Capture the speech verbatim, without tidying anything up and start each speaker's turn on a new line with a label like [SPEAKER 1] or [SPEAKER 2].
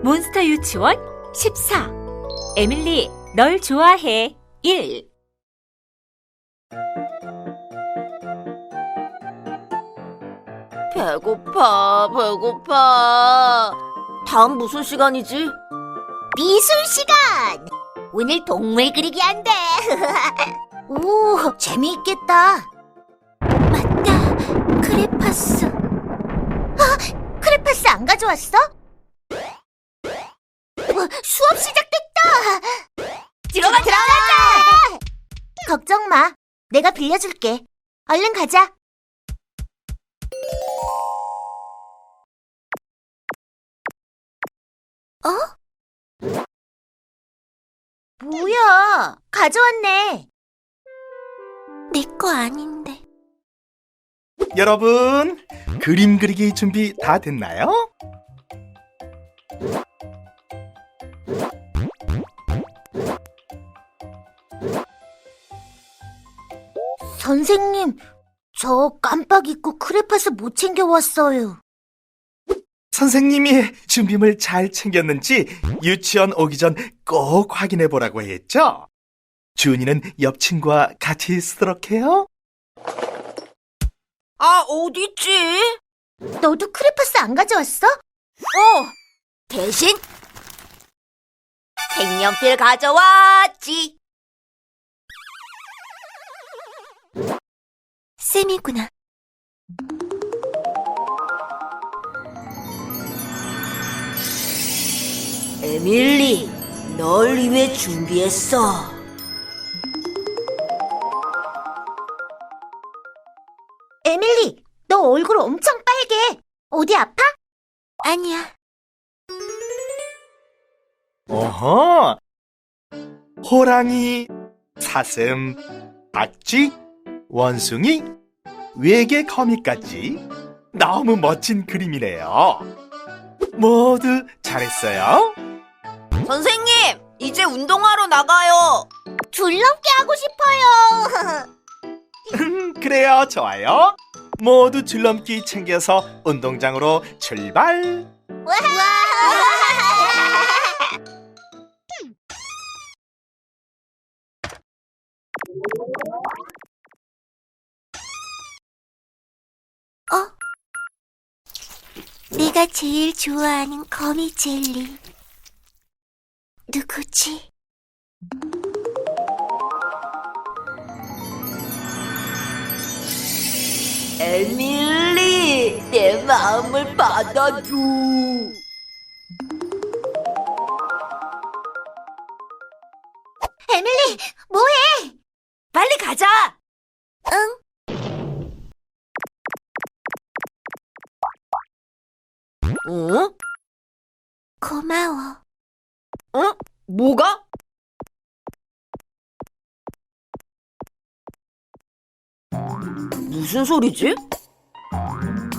[SPEAKER 1] 몬스터 유치원 십사. 에밀리, 널 좋아해. 일.
[SPEAKER 2] 배고파, 배고파. 다음 무슨 시간이지?
[SPEAKER 3] 미술 시간! 오늘 동물 그리기 한대. 오, 재미있겠다. 맞다, 크레파스. 아, 크레파스 안 가져왔어? 어, 수업 시작됐다.
[SPEAKER 2] 들어가자!
[SPEAKER 3] 들어가자! 걱정 마, 내가 빌려줄게. 얼른 가자. 어? 뭐야, 가져왔네. 내 거 아닌데.
[SPEAKER 4] 여러분, 그림 그리기 준비 다 됐나요?
[SPEAKER 3] 선생님, 저 깜빡 잊고 크레파스 못 챙겨왔어요.
[SPEAKER 4] 선생님이 준비물 잘 챙겼는지 유치원 오기 전 꼭 확인해 보라고 했죠? 주은이는 옆 친구와 같이 쓰도록 해요.
[SPEAKER 2] 아, 어딨지?
[SPEAKER 3] 너도 크레파스 안 가져왔어?
[SPEAKER 2] 어, 대신 색연필 가져왔지.
[SPEAKER 3] 쌤이구나.
[SPEAKER 2] 에밀리, 널 위해 준비했어.
[SPEAKER 3] 에밀리, 너 얼굴 엄청 빨개. 어디 아파? 아니야.
[SPEAKER 4] 어허! 호랑이, 사슴, 박쥐, 원숭이, 외계 거미까지 너무 멋진 그림이네요. 모두 잘했어요.
[SPEAKER 2] 선생님, 이제 운동하러 나가요.
[SPEAKER 3] 줄넘기 하고 싶어요.
[SPEAKER 4] 그래요, 좋아요. 모두 줄넘기 챙겨서 운동장으로 출발.
[SPEAKER 3] 어? 내가 제일 좋아하는 거미 젤리. 누구지?
[SPEAKER 2] 에밀리, 내 마음을 받아줘.
[SPEAKER 3] 에밀리, 뭐해?
[SPEAKER 2] 빨리 가자.
[SPEAKER 3] 응.
[SPEAKER 2] 응?
[SPEAKER 3] 고마워.
[SPEAKER 2] 응? 뭐가? 무슨 소리지?